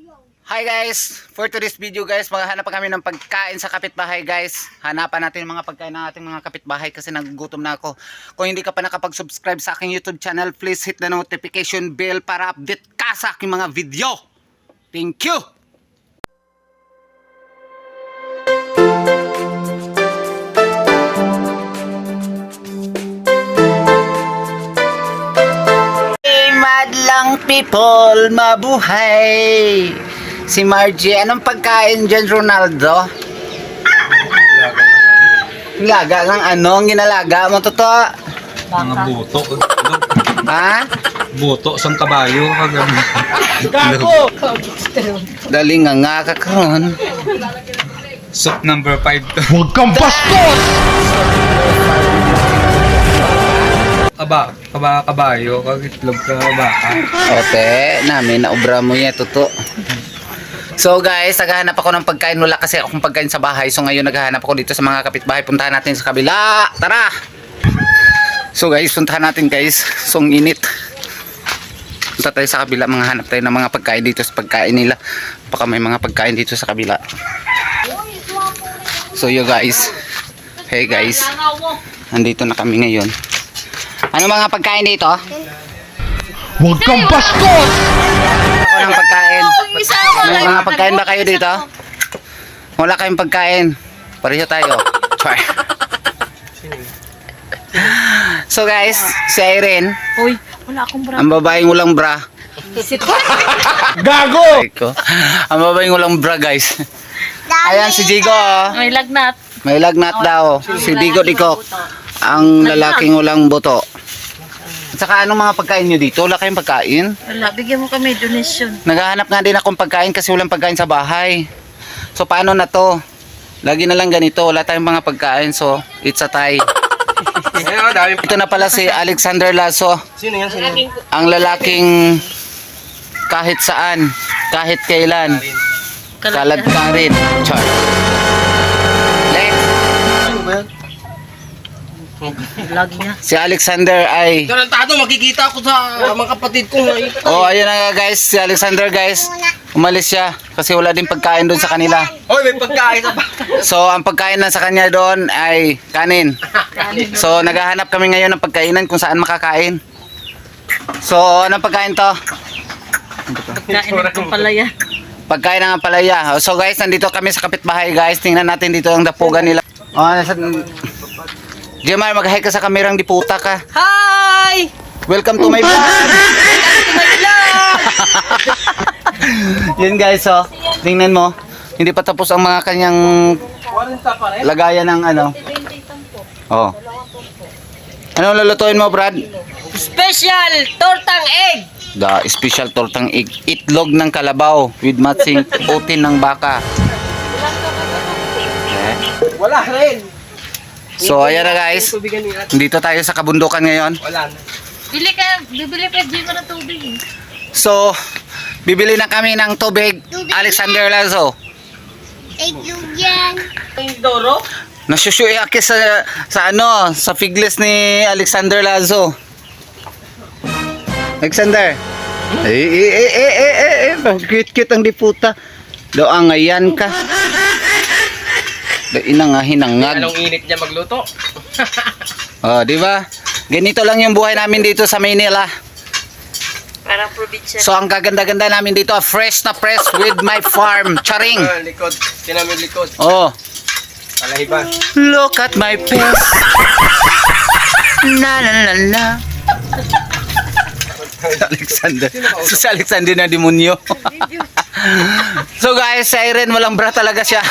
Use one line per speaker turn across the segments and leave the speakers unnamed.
Hi guys, for today's video guys, maghahanap pa kami ng pagkain sa kapitbahay guys. Hanapan natin mga pagkain ng ating mga kapitbahay kasi nagugutom na ako. Kung hindi ka pa nakapag-subscribe sa aking YouTube channel, please hit the notification bell para update ka sa aking mga video. Thank you! Hey madlang people, mabuhay! Si Margie, anong pagkain dyan, Ronaldo? Laga ng ano? Ang ginalaga mo, totoo?
Mga buto.
Ha?
Buto sang kabayo.
Gago! Dali nga kakaroon.
Soup number 5 to.
Huwag kang bastos!
Kabayo. Kagitlog ka baka.
Ote, namin naubra mo yan, totoo. So guys, naghahanap ako ng pagkain. Wala kasi akong pagkain sa bahay. So ngayon naghahanap ako dito sa mga kapitbahay. Puntahan natin sa kabila. Tara! So guys, puntahan natin guys. So ang init. Punta tayo sa kabila. Mga hanap tayo ng mga pagkain dito sa pagkain nila. Baka may mga pagkain dito sa kabila. So yo guys. Hey guys. Andito na kami ngayon. Ano mga pagkain dito?
Huwag kang bastos!
Ako ng pagkain. May mga pagkain ba kayo dito? Wala kayong pagkain. Pareho tayo. Char. So guys, si Irene.
Uy, wala akong bra.
Ang babaeng walang bra.
Gago!
Ang babaeng walang bra guys. Ayan si Jigo. Oh.
May lagnat.
May lagnat daw. Si Digo Diko. Ang lalaking walang buto. At saka anong mga pagkain nyo dito? Wala kayong pagkain?
Wala, bigyan mo kami donation.
Naghahanap nga din akong pagkain kasi walang pagkain sa bahay. So paano na to? Lagi na lang ganito. Wala tayong mga pagkain. So it's a tie. Ito na pala si Alexander Lasso.
Sino yan?
Ang lalaking kahit saan, kahit kailan, kalad ka rin. Char. Next.
Lagi niya.
Si Alexander ay...
Tarantado, makikita ako sa mga kapatid ko.
Oh, ayun na nga guys. Si Alexander guys. Umalis siya kasi wala din pagkain doon sa kanila.
Hoy, may pagkain sa
So, ang pagkain na sa kanya doon ay kanin. So, naghahanap kami ngayon ng pagkainan kung saan makakain. So, anong pagkain to?
Kain ng palaya.
Pagkain ng palaya. So, guys, nandito kami sa kapitbahay, guys. Tingnan natin dito ang dapugan nila. Oh, nasa... Jemar, mag-hi ka sa kamerang diputa ka.
Hi!
Welcome to my vlog! Yun guys, oh. Tingnan mo. Hindi pa tapos ang mga kanyang lagayan ng ano. Oh. Ano lulutuin mo, Brad?
Special tortang egg!
The special tortang egg. Itlog ng kalabaw with matching protein ng baka.
Wala rin.
So, ayan na guys. Dito tayo sa kabundukan ngayon.
Wala na.
Bibili ka G mo ng tubig.
So, bibili na kami ng tubig. Alexander Lazo.
Doro?
Nasushuy ako sa figles ni Alexander Lazo. Alexander. Cute ang diputa. Doang ngayan ka. Inang nga hinangag.
Anong init niya magluto?
Oh, di ba? Ganito lang yung buhay namin dito sa Manila.
Parang probinsya.
So, ang gaganda-ganda namin dito, fresh na fresh with my farm. Charing.
Likod. Sinamin likod.
Oh.
Palahiban.
Look at my face. Na na na na. Alexander. Si Alexander na demonyo. So guys, si Irene walang bra talaga siya.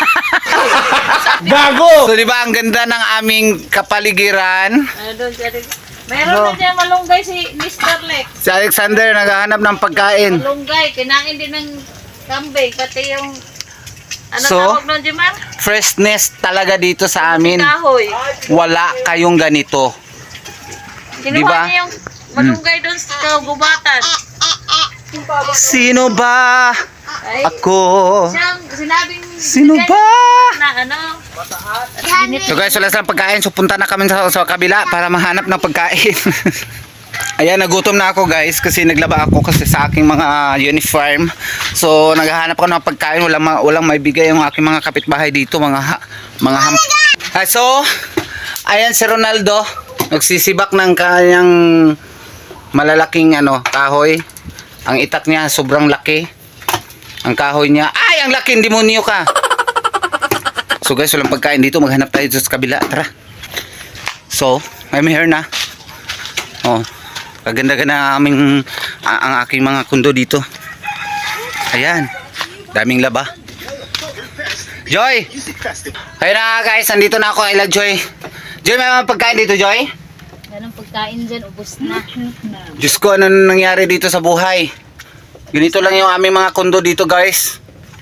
Gago!
So di ba ang ganda ng aming kapaligiran?
Doon siya rin. Mayroon na dyan malunggay si Mr. Lex.
Si Alexander naghahanap ng pagkain.
Malunggay, kinain din ng kambing. Pati yung... Ano
So,
tawag nun, Jimar?
Freshness talaga dito sa amin.
Kahoy.
Wala kayong ganito.
Kinuha
Diba?
niya yung malunggay doon sa gubatan.
Sino ba?
Ay,
Ako.
siyang sinabing...
Sino ba?
Na ano?
So guys, wala silang pagkain. So punta na kami sa kabila para mahanap ng pagkain. Ayan, nagutom na ako guys kasi naglaba ako kasi sa aking mga uniform. So, naghahanap ako ng pagkain. Walang maibigay yung aking mga kapitbahay dito. So, ayan si Ronaldo. Nagsisibak ng kanyang malalaking kahoy. Ang itak niya sobrang laki. Ang kahoy niya. Ay, ang laki, demonyo ka. So guys, walang pagkain dito. Maghanap tayo dito sa kabila. Tara. So, I'm here na. Oh, kaganda-ganda ang aking mga kundo dito. Ayan. Daming laba. Joy! Ayun na guys, nandito na ako. Ila Joy. Joy, may mga pagkain dito, Joy?
Ganun pagkain dyan, ubos na.
Diyos ko, ano nangyari dito sa buhay? Ganito lang yung aming mga kundo dito, guys.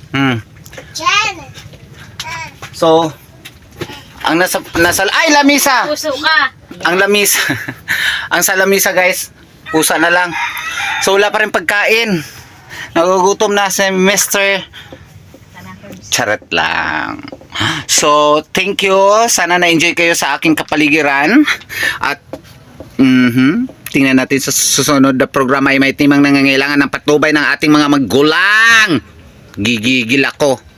So, ang nasa ay, lamisa!
Puso ka.
Ang lamisa. Ang sa lamisa, guys. Pusa na lang. So, wala pa rin pagkain. Nagugutom na si Mr. Charot lang. So, thank you. Sana na-enjoy kayo sa aking kapaligiran. At, tingnan natin sa susunod na programa ay may timang nangangailangan ng patnubay ng ating mga magulang. Gigigil ako.